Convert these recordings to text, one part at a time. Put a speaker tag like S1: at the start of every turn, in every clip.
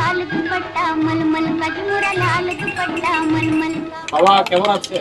S1: लाल दुपट्टा मलमल का झूरा लाल दुपट्टा मलमल का।
S2: বাবা কেমন আছেন?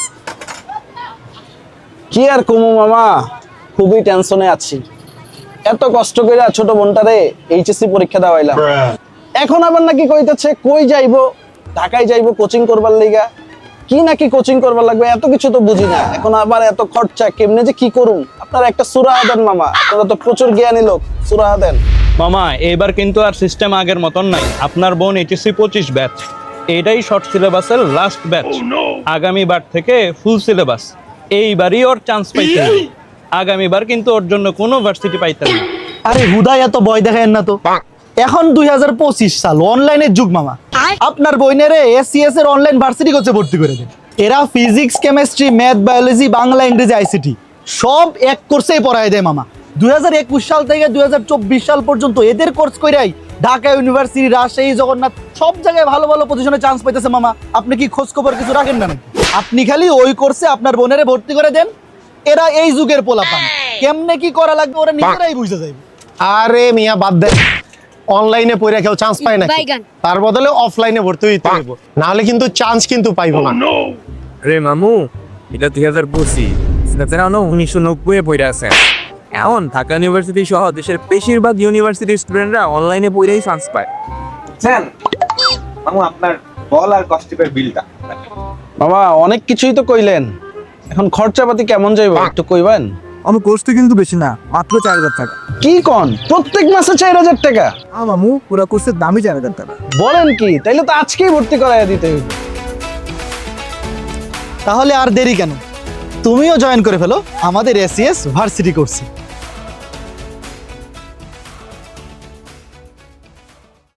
S3: কি আর কমু মামা, খুবই টেনশনে আছি। এত কষ্ট করে ছোট বোনটারে এইচএসসি পরীক্ষা দেওয়াইলাম, এখন আবার নাকি কইতেছে কই যাইবো, ঢাকায় যাইবো কোচিং করবার লিগা। কি নাকি কোচিং করবার লাগবে, এত কিছু তো বুঝি না। এখন আবার এত খরচা, কেমনে যে কি করুম। আপনারা একটা সুরাহা দেন মামা, আপনারা তো প্রচুর জ্ঞানী লোক, সুরাহা দেন।
S4: মামা এবার কিন্তু আর সিস্টেম আগের মতন নাই। আপনার বোন এইচএসসি 25 ব্যাচ, এটাই শর্ট সিলেবাসের লাস্ট ব্যাচ। আগামীবার থেকে ফুল সিলেবাস। এইবারই ওর চান্স পাইতে হবে। আগামীবার কিন্তু ওর জন্য কোনো ভার্সিটি পাইতে না।
S5: আরে হুদাই এত ভয় দেখায় না তো। এখন 2025 সাল, অনলাইনের যুগ মামা। আপনার বইনেরে এসসিএস এর অনলাইন ভার্সিটি কোর্সে ভর্তি করে দেন। এরা physics, chemistry, math, biology, Bangla, ইংরেজি, আইসিটি সব এক কোর্সেই পড়ায় দেয় মামা। 2021 সাল থেকে 2024 সাল পর্যন্ত এদের কোর্স কইরাই ঢাকা ইউনিভার্সিটি, রাজশাহী, জগন্নাথ সব জায়গায় ভালো ভালো পজিশনে চান্স পাইতেছে মামা। আপনি কি খোঁজ খবর কিছু রাখেন না নাকি? আপনি খালি ওই কোর্সে আপনার বোনেরে ভর্তি করে দেন। এরা এই যুগের পোলাপান, কেমনে কি করা লাগবে ওরা নিজেরাই বুঝে যাবে।
S6: আরে মিয়া বাদ দেন, অনলাইনে পড়ে কেউ চান্স পায় না, তার বদলে অফলাইনে ভর্তি হইতে হইব, না হলে কিন্তু চান্স কিন্তু পাইবো না।
S7: রে মামু, এটা 2025, সেটা 1990 পড়ে আছে। এখন ঢাকা ইউনিভার্সিটি সহ দেশের বেশিরভাগ ইউনিভার্সিটির স্টুডেন্টরা অনলাইনে পড়েই চান্স পায়।
S8: বুঝছেন মামু, আপনার বল আর কস্টিপের বিলটা।
S3: বাবা অনেক কিছুই তো কইলেন, এখন খরচাপাতি কেমন যাইব একটু কইবেন?
S9: আমার কোর্স তো কিন্তু বেশি না, মাত্র 4000 টাকা।
S3: কি কোন, প্রত্যেক মাসে 4000 টাকা?
S9: মামু পুরো কোর্সের দামই 4000 টাকা।
S3: বলেন কি, তাইলে তো আজকেই ভর্তি করাইয়া দিতে হইব।
S5: তাহলে আর দেরি কেন, তুমিও জয়েন করে ফেলো আমাদের এসসিএস ভার্সিটি কোর্সে।